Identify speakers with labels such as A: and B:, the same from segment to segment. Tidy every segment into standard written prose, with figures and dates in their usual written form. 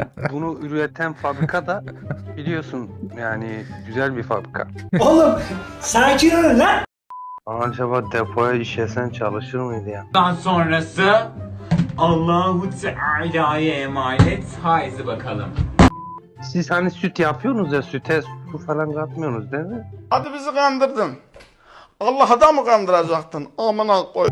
A: bunu üreten fabrika da biliyorsun yani güzel bir fabrika.
B: Oğlum sakin olun lan.
A: Acaba depoya işesen çalışır mıydı ya?
C: Daha sonrası Allahu Teala'ya emanet. Haydi bakalım.
A: Siz hani süt yapıyorsunuz ya, süte su falan katmıyorsunuz değil mi?
D: Hadi bizi kandırdın. Allah'ı da mı kandıracaktın? Amına koy.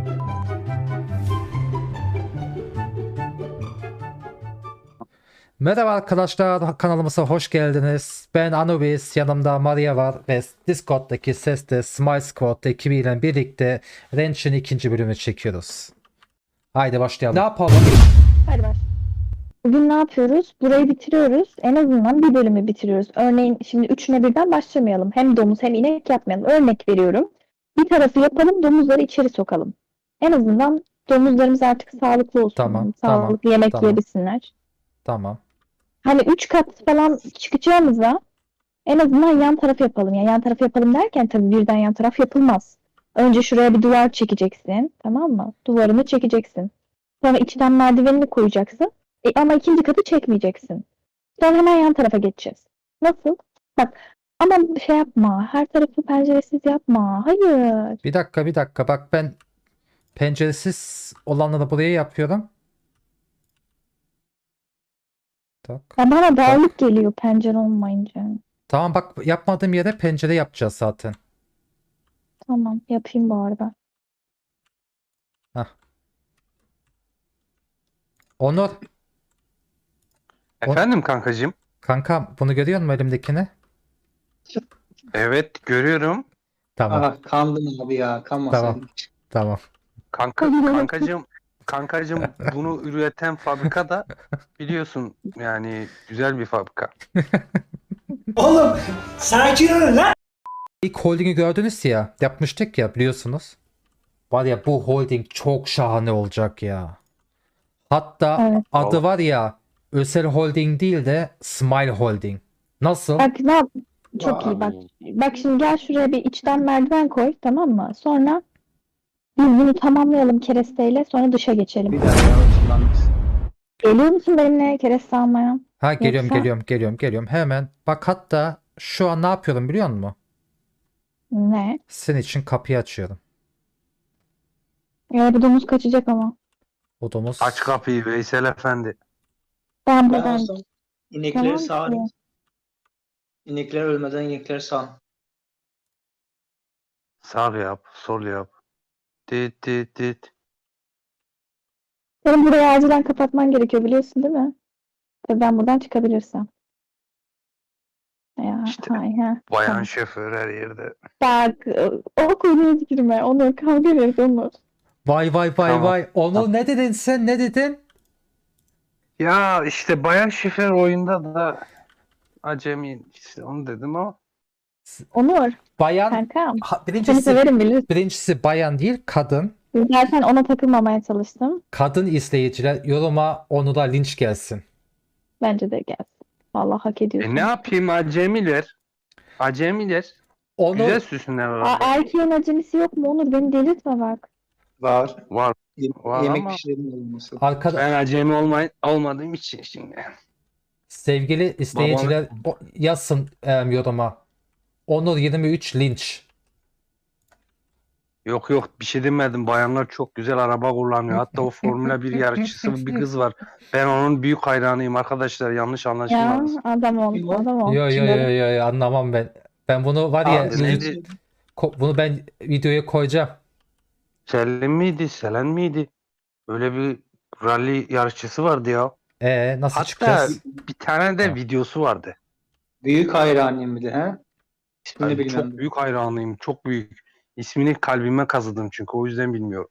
E: Merhaba arkadaşlar, kanalımıza hoş geldiniz. Ben Anubis, yanımda Maria var ve Discord'daki sesle Smile Squad ekibiyle birlikte Wrench'in ikinci bölümünü çekiyoruz. Haydi başlayalım. Ne yapalım?
F: Hadi baş. Bugün ne yapıyoruz? Burayı bitiriyoruz. En azından bir bölümü bitiriyoruz. Örneğin şimdi üçüne birden başlamayalım. Hem domuz hem inek yapmayalım. Örnek veriyorum. Bir tarafı yapalım, domuzları içeri sokalım. En azından domuzlarımız artık sağlıklı olsun.
E: Tamam,
F: Sağlıklı
E: tamam,
F: yemek
E: tamam.
F: yiyebilsinler.
E: Tamam.
F: Hani 3 kat falan çıkacağımıza en azından yan taraf yapalım. Yani yan taraf yapalım derken tabii birden yan taraf yapılmaz. Önce şuraya bir duvar çekeceksin. Tamam mı? Duvarını çekeceksin. Sonra içten merdivenini koyacaksın. Ama ikinci katı çekmeyeceksin. Sonra hemen yan tarafa geçeceğiz. Nasıl? Bak ama şey yapma. Her tarafı penceresiz yapma. Hayır.
E: Bir dakika. Bak ben penceresiz olanları buraya yapıyorum. Tak.
F: Ya bana dağınık geliyor pencere olmayınca.
E: Tamam bak, yapmadığım yere pencere yapacağız zaten.
F: Tamam yapayım bu arada.
E: Hah. Onur,
A: Efendim kankacığım?
E: kanka bunu görüyor musun elimdekini?
A: Evet görüyorum.
E: Tamam,
B: Aha kandın abi ya. Kanma
E: tamam,
B: sen.
E: tamam.
A: Kankacığım bunu üreten fabrika da biliyorsun yani güzel bir fabrika.
B: Oğlum sakin olun lan.
E: İlk holdingi gördünüz ya, yapmıştık ya, biliyorsunuz. Var ya, bu holding çok şahane olacak ya. Hatta
F: Evet.
E: adı var ya, Özel Holding değil de Smile Holding. Nasıl?
F: Bak ne yap? Çok iyi bak. Bak şimdi gel şuraya bir içten merdiven koy, tamam mı? Sonra biz bunu tamamlayalım keresteyle, sonra dışa geçelim.
B: Bir dakika yavaşlanmış.
F: Geliyor musun benimle kereste almaya?
E: Ha, geliyorum
F: Yoksa-
E: geliyorum hemen. Bak hatta şu an ne yapıyorum biliyor musun?
F: Ne?
E: Senin için kapıyı açıyorum.
F: Ya bu domuz kaçacak ama.
E: Odamız.
A: Aç kapıyı Veysel Efendi.
F: Ben
B: Ben
F: buradan
B: olsam inekleri
F: Tamam
B: sağarım.
F: ki.
B: İnekler ölmeden inekleri sağ.
A: Sağ yap, sol yap. Dit dit dit.
F: Senin burayı acilen kapatman gerekiyor biliyorsun değil mi? Tabii ben buradan çıkabilirsem. Ya
A: İşte
F: hay ha.
A: Bayan
F: Tamam.
A: şoför her yerde.
F: Bak o konuya girme. Onur kavga ederiz Onur.
E: Vay
A: Tamam.
E: Onur, ne dedin sen, ne dedin?
A: Ya işte bayan şoför oyunda da acemi işte onu dedim ama.
F: Onur
E: Bayan.
F: kankam.
E: Ha,
F: Seni severim bilirsin.
E: birincisi bayan değil, kadın.
F: Zaten ona takılmamaya çalıştım.
E: Kadın izleyiciler yoruma Onur'a linç gelsin.
F: Bence de gelsin. Vallahi hak ediyorsun.
A: Ne yapayım acemiler? Acemiler.
E: Onur,
A: Güzel süsünler
F: Aa,
A: var.
F: erkeğin acemisi yok mu Onur? Beni delirtme bak.
B: Var.
A: Var. Var
B: Yemek
A: ama
B: pişirelim olması.
A: ben acemi olmadığım için şimdi.
E: sevgili izleyiciler yazsın yoruma. Onur 23 linç.
A: Yok bir şey demedim. Bayanlar çok güzel araba kullanıyor. Hatta o Formula 1 yarışçısı bir kız var. Ben onun büyük hayranıyım arkadaşlar. Yanlış
F: Ya
A: anlaşılmasın.
F: adam ol. Adam ol.
E: Yo, anlamam ben. Ben bunu var ya,
A: Abi neydi?
E: bunu ben videoya koyacağım.
A: Selim miydi? Selen miydi? Öyle bir rally yarışçısı vardı ya.
E: Nasıl
A: Hatta
E: çıkacağız?
A: bir tane de
E: Ha.
A: videosu vardı.
B: Büyük hayranıyım bir de he. İsmini
A: Yani
B: bilmem.
A: çok büyük hayranıyım. Çok büyük. İsmini kalbime kazıdım çünkü o yüzden bilmiyorum.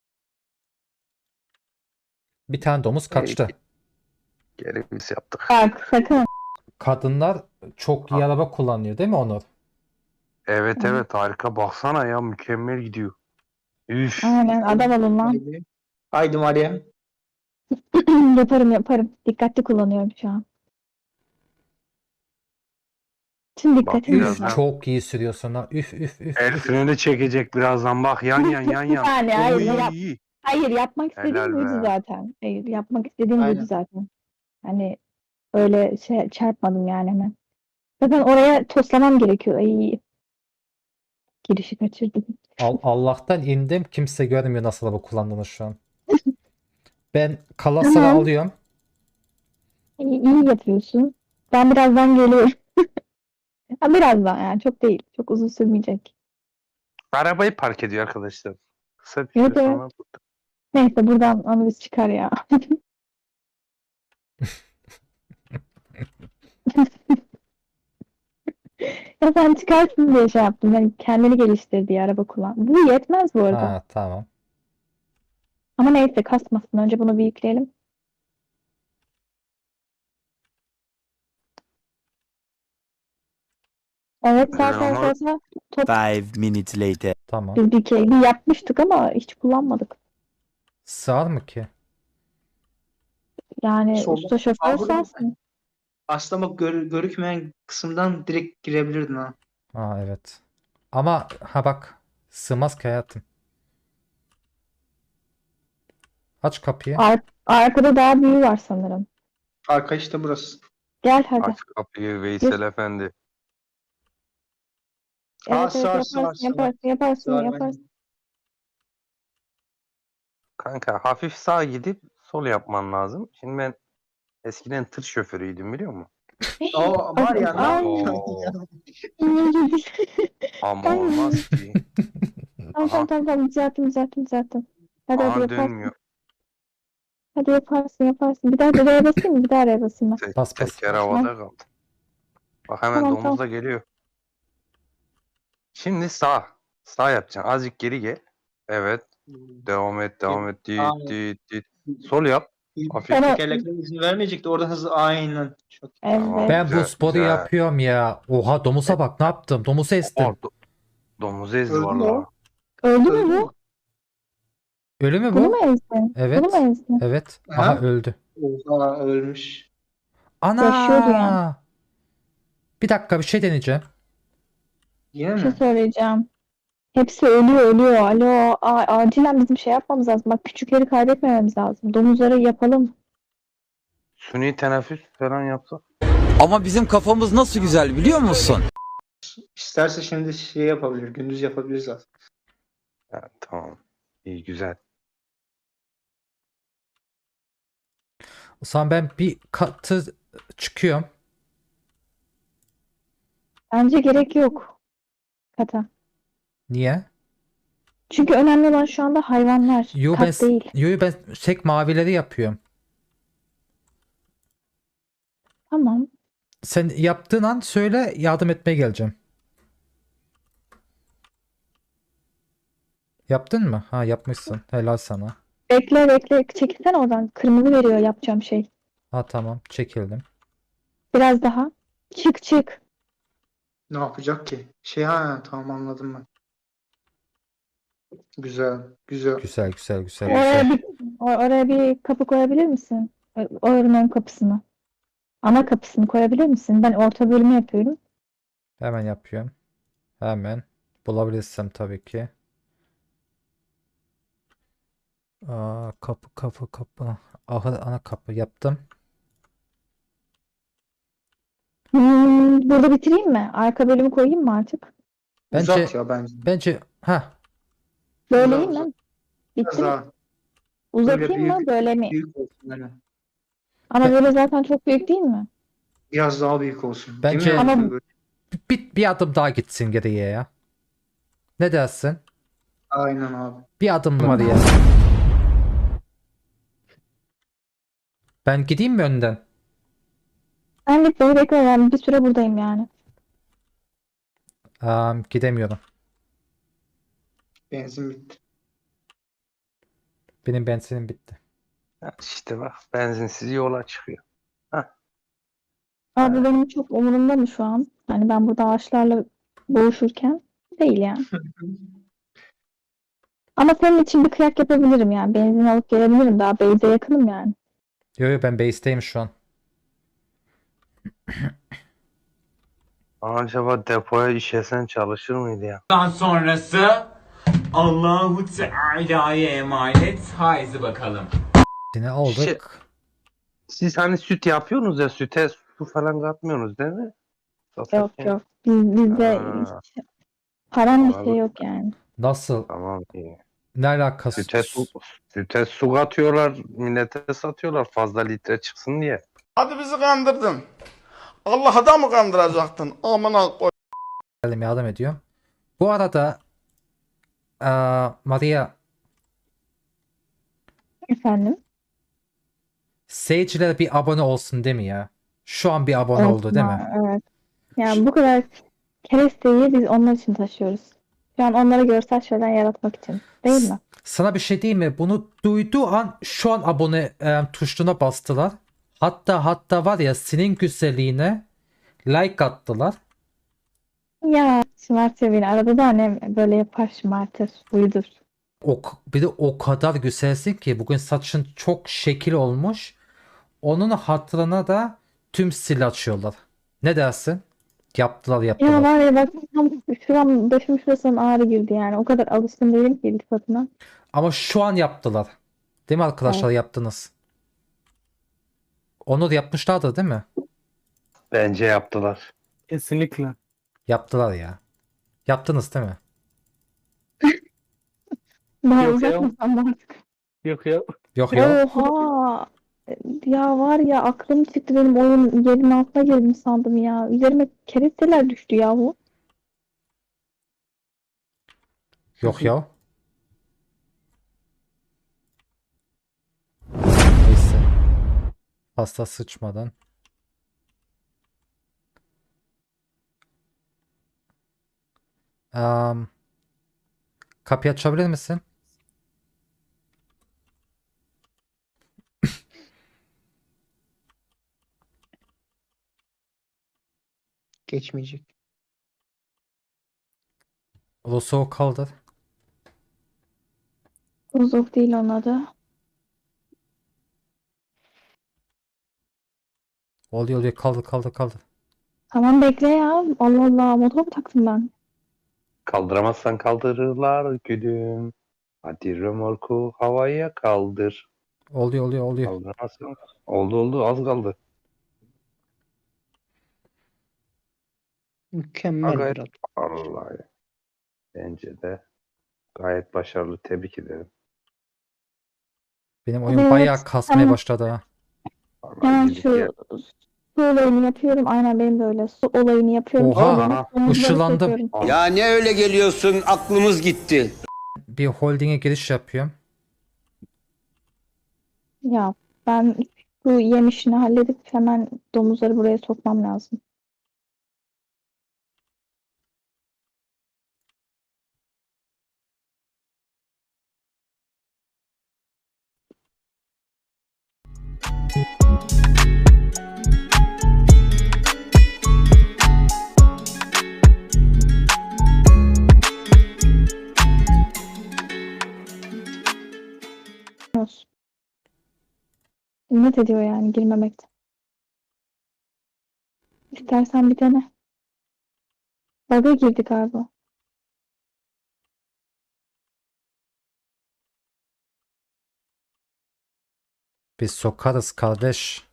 E: Bir tane domuz kaçtı.
A: Geri biz yaptık.
F: Bak sakın.
E: Kadınlar çok iyi araba kullanıyor değil mi Onur?
A: Evet harika. Baksana ya mükemmel gidiyor. Üf.
F: Aynen adam olun lan.
B: Haydi. Haydi Maria.
F: Yaparım. Dikkatli kullanıyorum şu an. Tüm
A: Bak
F: dikkatim
A: biraz
F: burada.
A: ha.
E: Çok iyi sürüyorsun ha. Üf.
A: El freni çekecek birazdan bak yan.
F: Yani hayır,
A: Oy.
F: Hayır yapmak istediğim
A: Helal
F: buydu
A: be.
F: zaten. Hayır yapmak istediğim
B: Aynen.
F: buydu zaten. Hani Öyle şey çarpmadım yani hemen. Zaten oraya toslamam gerekiyor. Ay, girişi kaçırdım.
E: Allah'tan indim. Kimse görmüyor nasıl araba kullandığını şu an. Ben kalasları
F: Tamam.
E: alıyorum.
F: İyi yapıyorsun. Ben birazdan geliyorum. Ha, birazdan yani çok değil. Çok uzun sürmeyecek.
A: Arabayı park ediyor arkadaşlar. Kısa bir
F: Evet,
A: süre
F: evet.
A: sonra.
F: Neyse buradan analiz çıkar ya. Ya sen çıkarsın diye şey yaptım. Yani kendini geliştir diye araba kullan. Bu yetmez bu arada.
E: Ha, tamam.
F: Ama neyse kasmasın. Önce bunu bir yükleyelim. Evet zaten
A: onu-
F: zaten top
G: 5 minutes later.
E: Tamam.
F: biz bir kere bir yapmıştık ama hiç kullanmadık.
E: Sığar mı ki?
F: Yani
B: Solda-
F: usta şoför
B: Aa, burada-
F: sensin.
B: Aslında bak görükmeyen kısımdan direkt girebilirdin ha.
E: Ha, evet. Ama ha bak, sığmaz ki hayatım. Aç kapıyı.
F: Arkada daha büyüğü var sanırım.
B: Arka işte burası.
F: Gel hadi.
A: Aç kapıyı Veysel Efendi.
F: Evet,
B: sağ,
F: evet,
B: sağ,
F: yaparsın,
B: sağ.
F: yaparsın, yaparsın,
B: Sağ,
F: yaparsın.
A: Kanka hafif sağa gidip sol yapman lazım. Şimdi ben eskiden tır şoförüydüm biliyor musun?
B: O var ya ne
F: Ay.
B: yapıyorsun?
A: Oo,
F: İyi.
A: ama olmaz ki.
F: Tamam, düzelttim. Hadi
A: Aha
F: yaparsın.
A: dönmüyor.
F: Hadi yaparsın. Bir daha araya basayım mı? Bir daha araya basayım ben.
E: Bas.
A: Teker havada kaldı. Bak hemen
F: Tamam,
A: domuz da geliyor. Şimdi sağ. Sağ yapacaksın. Azıcık geri gel. Evet. Devam et. Dit,
B: Aynen.
A: dit. Sol yap. Hafif.
F: Ben-
B: Tekerlekler izin vermeyecekti. Orada hızlı aynen. Çok
F: Evet.
E: Ben bu
A: Güzel,
E: sporu
A: güzel.
E: yapıyorum ya. Oha, domuza bak, ne yaptım? Domuzu estim.
A: Domuz ezdi
B: Öldü mü
A: valla.
B: o?
F: Öldü mü
B: Öldü
F: bu?
E: Ölü mü
F: Bunu
E: bu?
F: mu ezdin?
E: Evet.
F: Bunu mu ezdin?
E: Evet.
B: Ha?
E: Aha, öldü.
B: Oha ölmüş.
F: Yaşıyordu yani.
E: Ana! Bir dakika, bir şey deneyeceğim.
B: Yine
F: Bir şey
B: mi?
F: söyleyeceğim. Hepsi ölüyor. Alo. Acilen bizim şey yapmamız lazım. Bak küçükleri kaybetmememiz lazım. Domuzları yapalım.
A: Suni teneffüs falan yapsak.
G: Ama bizim kafamız nasıl güzel biliyor musun?
B: İsterse şimdi şey yapabilir. Gündüz yapabiliriz aslında.
A: Ha, tamam. İyi güzel.
E: O zaman ben bir katı çıkıyorum.
F: Bence gerek yok. Kata.
E: Niye?
F: Çünkü önemli olan şu anda hayvanlar.
E: Yo ben,
F: Kat değil.
E: ben tek mavileri yapıyorum.
F: Tamam.
E: Sen yaptığın an söyle, yardım etmeye geleceğim. Yaptın mı? Ha, yapmışsın. Helal sana.
F: Bekle. Çekilsene oradan. Kırmızı veriyor yapacağım şey.
E: Ha, tamam, çekildim.
F: Biraz daha. Çık.
B: Ne yapacak ki? Şey ha tamam anladım ben. Güzel.
E: Güzel.
F: Oraya bir kapı koyabilir misin? Oranın ön kapısını. Ana kapısını koyabilir misin? Ben orta bölümü yapıyorum.
E: Hemen yapıyorum. Hemen. Bulabilirsem tabii ki. Aa, kapı. Aha, ana kapı yaptım.
F: Burada bitireyim mi? Arka bölümü koyayım mı artık?
E: Bence
B: Uzat ya bence.
E: bence
F: Böyle
B: Uzat,
F: iyi mi?
B: uzat.
F: Bitti
B: Biraz
F: mi?
B: daha
F: Uzatayım mı?
B: büyük-
F: Böyle mi?
B: büyük olsun. Yani.
F: Ama böyle zaten çok büyük değil mi?
B: Biraz daha büyük olsun.
E: Bence-
B: Değil mi?
F: Ama-
E: bir adım daha gitsin geriye ya. Ne dersin?
B: Aynen abi.
E: Bir adım var ya. Ben gideyim mi önden?
F: Ben git beni bekle. Ben bir süre buradayım yani.
E: Gidemiyorum.
B: Benzin bitti.
E: Benim benzinim bitti.
A: Ha, işte bak benzinsiz yola çıkıyor.
F: Abi benim çok umurumda mı şu an? Hani ben burada ağaçlarla boğuşurken değil yani. Ama senin için bir kıyak yapabilirim yani. Benzin alıp gelebilirim. Daha base'e yakınım yani.
E: Yo, ben base'teyim şu an.
A: Acaba depoya işesen çalışır mıydı ya?
C: Daha sonrası Allahu Teala'ya emanet. Haydi bakalım.
E: Yine aldık.
A: Siz hani süt yapıyorsunuz ya, süte su falan katmıyorsunuz değil mi?
F: Yok
A: Satarken.
F: yok. Bizde
A: Ha,
F: hiç param bir şey
A: anladım.
F: yok yani.
E: Nasıl?
A: Tamam, iyi.
E: Ne alakası?
A: Süte su katıyorlar, millete satıyorlar fazla litre çıksın diye.
D: Hadi bizi kandırdın. Allah'ı da mı kandıracaktın? Amına koy.
E: Geldim, yardım ediyorum. Bu arada Maria,
F: Efendim?
E: seyirciler bir abone olsun değil mi ya? Şu an bir abone oldu değil mi?
F: Olsun, evet. Yani bu kadar keresteyi biz onlar için taşıyoruz. Şu an onlara görsel şeyler yaratmak için. Değil mi?
E: Sana bir şey diyeyim mi? Bunu duyduğu an şu an abone tuşuna bastılar. Hatta var ya, senin güzelliğine like attılar.
F: Ya şımartıyor beni. Arada da annem böyle yapar, şımartır. Uydur.
E: Bir de o kadar güzelsin ki bugün saçın çok şekil olmuş. Onun hatırına da tüm sil açıyorlar. Ne dersin? Yaptılar.
F: Ya var ya bak tam şuram başım şurasından ağrı girdi yani. O kadar alışkın değilim ki iltifatına.
E: Ama şu an yaptılar. Değil mi arkadaşlar, yaptınız? Onu da yapmışlardı değil mi?
A: Bence yaptılar.
H: Kesinlikle.
E: Yaptılar ya. Yaptınız değil mi?
F: Daha
H: Yok ya.
F: uzatmasam da artık.
H: Yok ya.
E: Yok ya.
F: Oha! Ya var ya aklım çıktı benim oyun yerin altına girdim sandım ya. Üzerime keresteler düştü yahu.
E: Yok ya. Neyse. Pasta sıçmadan. Am, kapıyı açabilir misin?
B: Geçmeyecek.
E: Rosso kaldır.
F: Uzuk değil onun adı.
E: Oluyor kaldır.
F: Tamam bekle ya. Allah Allah motor mu taktım ben?
A: Kaldıramazsan kaldırırlar gülüm. Hadi römorku havaya kaldır.
E: Oluyor.
A: Kaldıramazsan. Oldu az kaldı.
B: Mükemmel
A: Gayet
B: bir adam.
A: vallahi. Bence de gayet başarılı. Tebrik ederim.
E: Benim oyun
F: Evet,
E: bayağı kasmaya
F: tamam.
E: başladı ha.
A: Vallahi
F: Hemen
A: iyilik
F: şu
A: ya.
F: su olayını yapıyorum. Aynen benim de öyle. Su olayını yapıyorum.
E: Oha,
F: Sonra omuzları
E: ışılandım.
F: söküyorum.
G: Ya ne öyle geliyorsun, aklımız gitti.
E: Bir holdinge giriş yapıyorum.
F: Ya ben bu yem işini halledip hemen domuzları buraya sokmam lazım. Olsun. İnat ediyor yani girmemekte. İstersen bir dene. Bug'a girdi galiba.
E: Biz sokarız kardeş.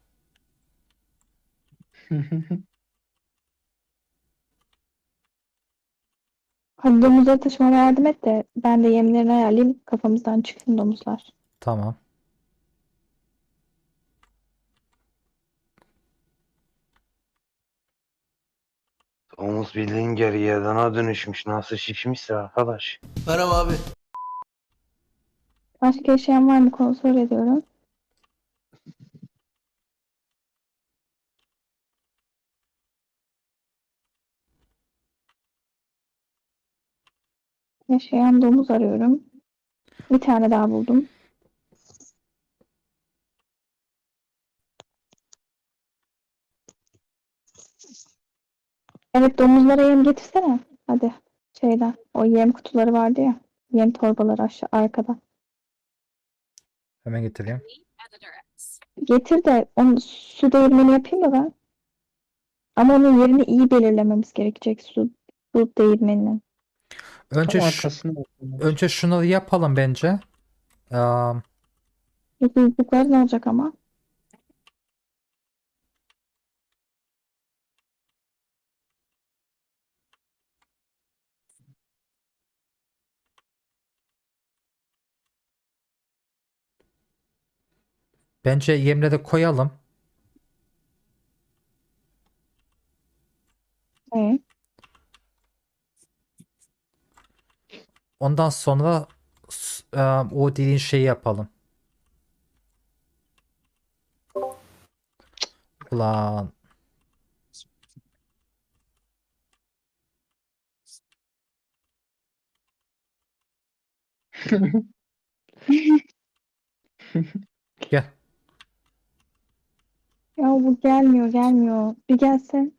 F: Hadi domuzları taşımama yardım et de ben de yemlerini ayarlayayım kafamızdan çıksın domuzlar.
E: Tamam.
A: Omuz bildiğin geriyedana dönüşmüş. Nasıl şişmişse arkadaş.
I: Merhaba abi.
F: Başka yaşayan var mı kontrol ediyorum. Yaşayan domuz arıyorum. Bir tane daha buldum. Evet domuzlara yem getirsene. Hadi şeyden. O yem kutuları vardı ya. Yem torbaları aşağı arkada.
E: Hemen getireyim.
F: Getir de onu su değirmeni yapayım da ben. Ama onun yerini iyi belirlememiz gerekecek su değirmeninin.
E: Önce
B: Tam
E: şu,
B: arkasına bakıyorum.
E: önce şunları yapalım bence. Am,
F: Buzluklar ne olacak ama?
E: Bence yemleri koyalım.
F: Hı.
E: Ondan sonra o dediğin şeyi yapalım. Ulan. Gel.
F: Ya bu gelmiyor. Bir gelsin.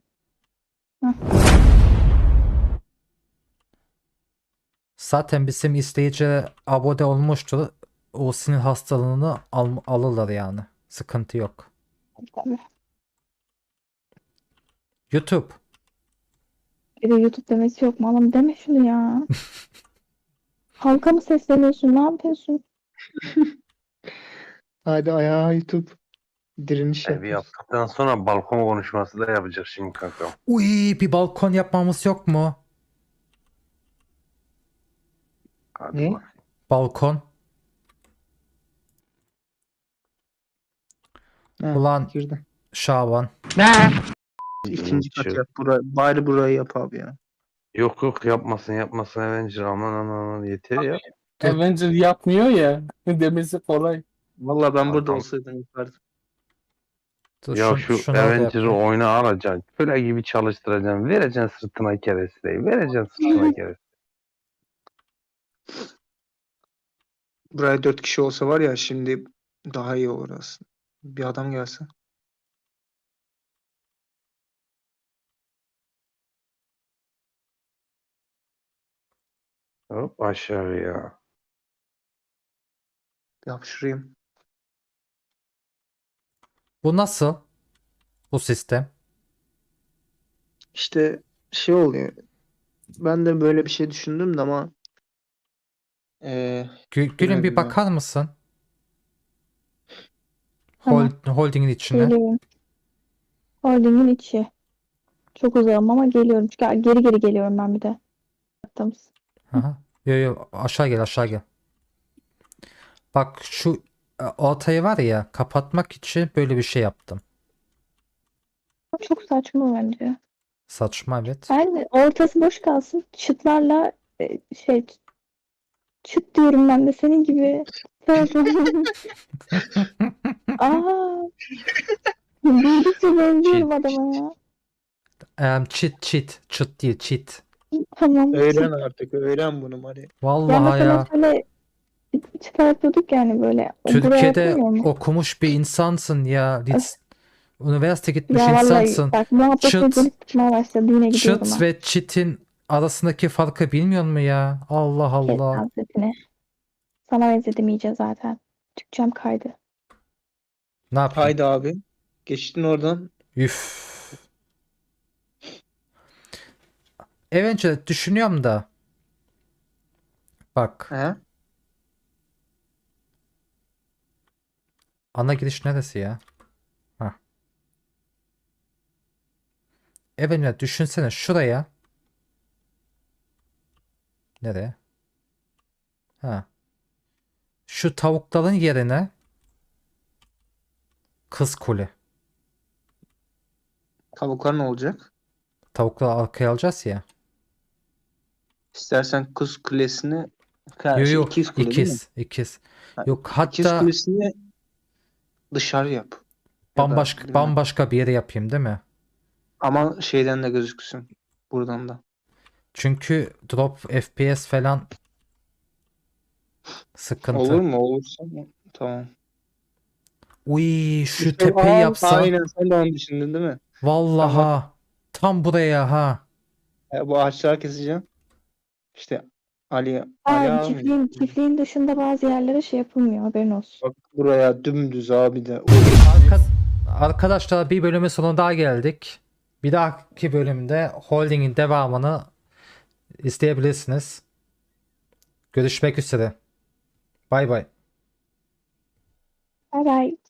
E: Zaten bizim izleyici abone olmuştur. O sinir hastalığını alırlar yani. Sıkıntı yok.
F: Tabii.
E: YouTube.
F: Bir de YouTube demesi yok mu? Oğlum deme şunu ya. Halka mı sesleniyorsun? Ne yapıyorsun?
B: Hadi ayağa YouTube. Direniş
A: Evi
B: yap.
A: yaptıktan sonra balkon konuşması da yapacak şimdi kanka.
E: Uy, bir balkon yapmamız yok mu?
A: Hadi
B: Ne?
A: bak.
E: Balkon.
B: Ha,
E: Ulan
B: girdi.
E: Şaban.
B: İkinci kat
A: Şey-
B: yap. Bari burayı yap abi ya.
A: Yok yapmasın Avenger aman yeter ya.
H: Avenger yapmıyor ya. Demesi kolay.
B: Vallahi ben burada
A: Tamam.
B: olsaydım yapardım.
E: Dur,
A: Ya şu
E: şunu da
A: Avenger'ı
E: yapayım.
A: oyuna alacaksın. Köle gibi çalıştıracaksın. Vereceksin sırtına keresteyi. Vereceksin sırtına keresteyi.
B: Buraya 4 kişi olsa var ya şimdi daha iyi olur aslında. Bir adam gelse.
A: Hop aşağıya.
B: Yapıştırayım.
E: Bu nasıl? Bu sistem.
B: İşte şey oluyor. Ben de böyle bir şey düşündüm de ama
E: Gülüm bir
B: bilemedim ya.
E: bakar mısın?
F: Tamam.
E: Holdingin içine.
F: Geliyorum. Holdingin içi. Çok uzağım ama geliyorum. Çünkü geri geliyorum ben bir de. Baktım.
E: Aha. Yo aşağı gel. Bak şu ortayı var ya kapatmak için böyle bir şey yaptım.
F: Çok saçma bence.
E: Saçma evet.
F: Ben ortası boş kalsın. Çıtlarla çıt diyorum ben de senin gibi. Aa, büyüdükçe benziyorum adama ya.
E: Çıt değil çit.
F: Tamam.
B: Öğren artık. Öğren bunu Mari.
F: Ya
E: Vallahi
F: mesela
E: ya.
F: şöyle çıta yapıyorduk yani böyle. O buraya
E: Türkiye'de
F: yapılmıyor mu?
E: okumuş bir insansın ya. Üniversite gitmiş
F: Ya vallahi
E: insansın.
F: bak muhabbet
E: Çıt,
F: beni tutmaya başladı. Yine gidiyorum
E: çıt
F: ha.
E: ve çitin arasındaki farkı bilmiyor mu ya? Allah
F: Kes
E: Allah.
F: hazretine. Sana benzedim iyice zaten. Türkçem kaydı.
E: Ne yapayım?
B: Haydi abi. Geçtin oradan.
E: Üf. Eventually düşünüyorum da. Bak.
B: He?
E: Ana giriş neresi ya? Hah. Eventually düşünsene şuraya. Nereye? Ha. Şu tavukların yerine kız kule.
B: Tavuklar ne olacak?
E: Tavukları arkaya alacağız ya.
B: İstersen Kuz Kulesi'ni
E: Yo
B: ikiz kule değil mi?
E: ikiz.
B: Ha,
E: Yok
B: İkiz
E: hatta
B: Kulesi'ni dışarı yap. Ya da bilmem.
E: bambaşka bir yere yapayım değil mi?
B: Ama şeyden de gözüksün. Buradan da.
E: Çünkü drop FPS falan sıkıntı.
B: Olur mu? Olursa tamam.
E: Uy şu
B: İşte,
E: tepeyi yapsam.
B: aynen sen de onu düşündün değil mi?
E: Vallaha. Tam buraya ha.
B: Bu ağaçları keseceğim. İşte Ali
F: Ha,
B: abi.
F: çiftliğin dışında bazı yerlere şey yapılmıyor. Haberin olsun.
B: Bak buraya dümdüz abi de.
E: Arkadaşlar bir bölümün sonuna daha geldik. Bir dahaki bölümde Holding'in devamını izleyebilirsiniz. Görüşmek üzere. Bay bay.
F: Bay bay.